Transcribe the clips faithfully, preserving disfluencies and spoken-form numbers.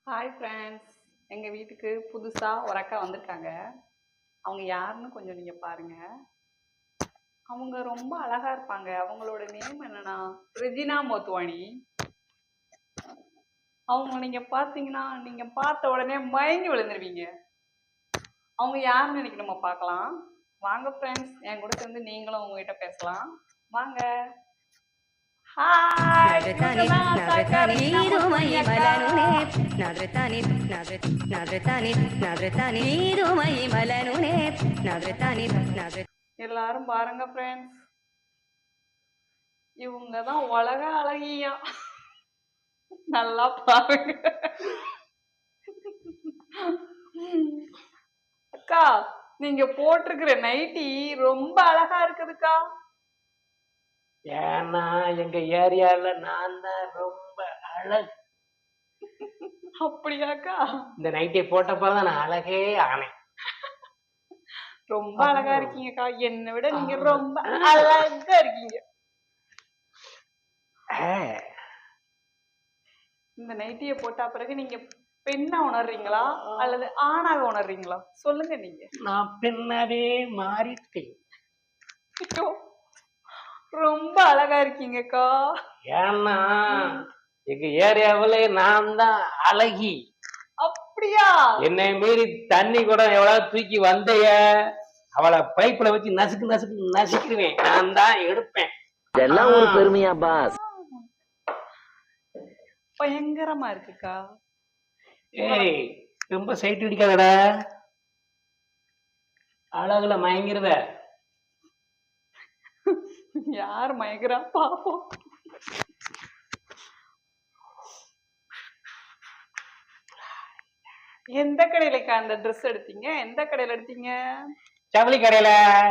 Hi friends, எங்கள் வீட்டுக்கு புதுசாக ஒரு அக்கா வந்திருக்காங்க. அவங்க யாருன்னு கொஞ்சம் நீங்கள் பாருங்கள். அவங்க ரொம்ப அழகாக இருப்பாங்க. அவங்களோட நேம் என்னன்னா ரெஜினா மோத்வானி. அவங்க நீங்கள் பார்த்தீங்கன்னா நீங்கள் பார்த்த உடனே மயங்கி விழுந்துருவீங்க. அவங்க யாருன்னு இன்னைக்கு நம்ம பார்க்கலாம். வாங்க ஃப்ரெண்ட்ஸ், என் கூட சேர்ந்து நீங்களும் உங்ககிட்ட பேசலாம். வாங்க. எல்லாரும் பாருங்க ஃப்ரெண்ட்ஸ், இவங்க தான் உலக அழகியா. நல்லா பாருங்க அக்கா, நீங்க போட்டிருக்கிற நைட்டி ரொம்ப அழகா இருக்குதுக்கா. ஏன்னா எங்க ஏரியால நான் தான் ரொம்ப அழகு. அப்படியாக்கா? இந்த நைட்டை போட்டப்பதான் நான் அழகே ஆனேன். ரொம்ப அழகா இருக்கீங்கக்கா. என்னை விட நீங்க ரொம்ப அழகா இருக்கீங்க. இந்த நைட்டிய போட்டா பிறகு நீங்க பெண்ணா உணர்றீங்களா அல்லது ஆணாக உணர்றீங்களா? சொல்லுங்க. நீங்க நான் பெண்ணாவே மாறிட்டேன். ரொம்ப அழகா இருக்கீங்கக்கா. ஏன்னா எங்க ஏரியாவில நான் தான் அழகி. அப்படியா? என்னை மீறி தண்ணி கூட எவ்வளவு தூக்கி வந்தைய அவளை பைப்புல வச்சு நசுக்கு நசுக்கு நசுக்கிடுவேன். நான் தான் எடுப்பேன். இதெல்லாம் ஒரு பெருமையா பாஸ்? பயங்கரமா இருக்குக்கா. ஏய், ரொம்ப சைட் அடிக்காதடா. அழகுல மயங்கிருத. யார் மயங்குறா பாப்போம். எந்த கடையிலக்கா அந்த ட்ரெஸ் எடுத்தீங்க? எந்த கடையில எடுத்தீங்க? ஜவுளி கடையில.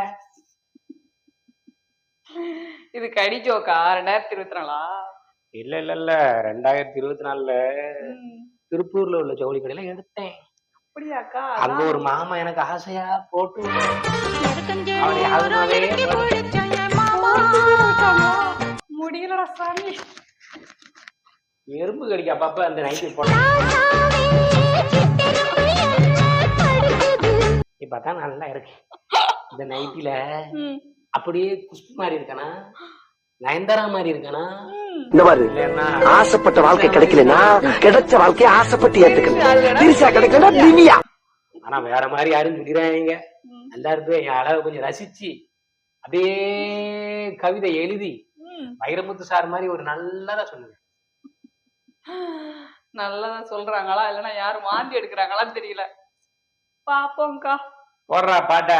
இது கடி ஜோக்கா? ரெண்டாயிரத்தி இருபத்தி நாலா? இல்ல இல்ல இல்ல ரெண்டாயிரத்தி இருபத்தி நாலுல திருப்பூர்ல உள்ள ஜவுளி கடையில எடுத்தேன். அப்படியாக்கா? அங்க ஒரு மாமா எனக்கு ஆசையா போட்டு முடியலடா சாமி. எறும்பு கடிக்க அப்பப்ப அந்த நைட்டி போட்டேன். இப்பதான் நல்லா இருக்கு இந்த நைட்டில. அப்படியே குஷ்பு மாதிரி இருக்கானா, நயன்தாரா மாதிரி இருக்கானா? இந்த மாதிரி ஆசைப்பட்ட வாழ்க்கை கிடைக்கலன்னா கிடைச்ச வாழ்க்கையை ஆசைப்பட்டு ஏத்துக்கணும். திரிசா கிடைக்கலன்னா திவ்யா. ஆனா வேற மாதிரி யாரும் திடீராங்க. எல்லாருமே என் அழகை கொஞ்சம் ரசிச்சு அப்படியே கவிதை எழுதி வைரமுத்து சார் மாதிரி ஒரு நல்லதா சொல்லுங்க. நல்லதா சொல்றாங்களா இல்லைன்னா யாரும் வாந்தி எடுக்கிறாங்களான்னு தெரியல. பாப்போம்க்கா. போடுறா பாட்டா.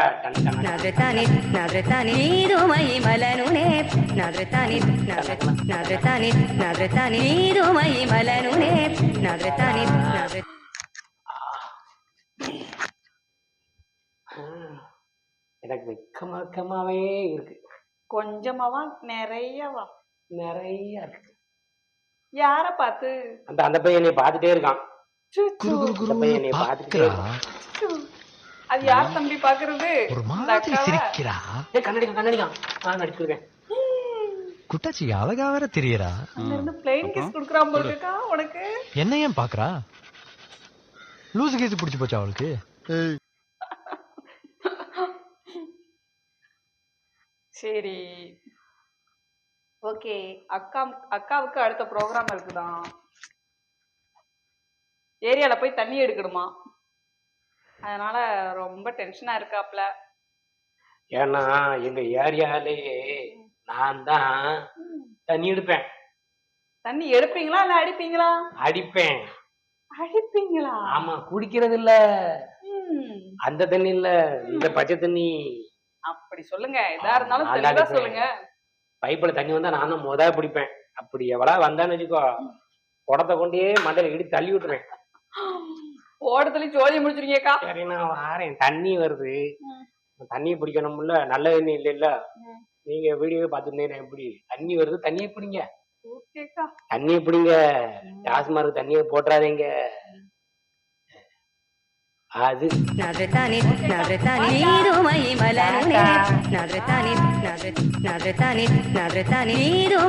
எனக்கு வெக்கமா வெக்கமாவே இருக்கு. கொஞ்சமாவா நிறையவா? நிறைய இருக்கு. யார பார்த்து? அந்த அந்த பையன் என்னை பார்த்துட்டே இருக்கான். அந்த பையன் என்னை பார்த்துட்டே இருக்கான். அது யார் தம்பி பாக்குறது? ஒரு மாதிரி சிரிக்கிறா. ஏய் கண்ணடிக்க கண்ணடிக்க. நான் நடிச்சுடுவேன். குட்டாச்சி அழகா வேற தெரியறா. அங்க இருந்து ப்ளைன் கிஸ் குடுக்குறான் போல இருக்கா உனக்கு. என்ன ஏன் பாக்குறா? லூசு கேஸ் பிடிச்சு போச்சா அவளுக்கு? சரி ஓகே. அக்கா அக்காவுக்கு அடுத்த ப்ரோக்ராம் இருக்குதான். ஏரியால போய் தண்ணி எடுக்கணுமா, அதனால ரொம்ப டென்ஷனா இருக்காப்ல. ஏன்னா எங்க ஏரியாலேயே நான் தான் தண்ணி எடுப்பேன். தண்ணி எடுப்பீங்களா இல்ல அடிப்பீங்களா? அடிப்பேன். அடிப்பீங்களா? ஆமா, குடிக்கிறது இல்ல, அந்த தண்ணி இல்ல, இந்த பச்சை தண்ணி. அப்படி சொல்லுங்க. எதா இருந்தாலும் தெளிவா சொல்லுங்க. பைப்புல தண்ணி வந்தா நான் தான் முத பிடிப்பேன். அப்படி எவ்வளா வந்தான்னு வச்சுக்கோ, குடத்தை கொண்டே மண்டையில இடி தள்ளி விட்டுருவேன். ஓடத்துல சோழி முடிச்சிருக்கேக்கா. சரி நான் வாரேன். தண்ணி வருது, தண்ணியை பிடிக்கணும்ல, நல்ல தண்ணி இல்ல இல்ல. நீங்க வீடியோவே பார்த்துருந்தேன். எப்படி தண்ணி வருது, தண்ணியை பிடிங்க. தண்ணியை பிடிங்க. டாஸ்மார்க் தண்ணியை போட்டுறாதீங்க. அது நடுத்தானி நடுத்தானி நீருமை மலருனே நடுத்தானி நடு நடுத்தானி நடுத்தானி நீரும்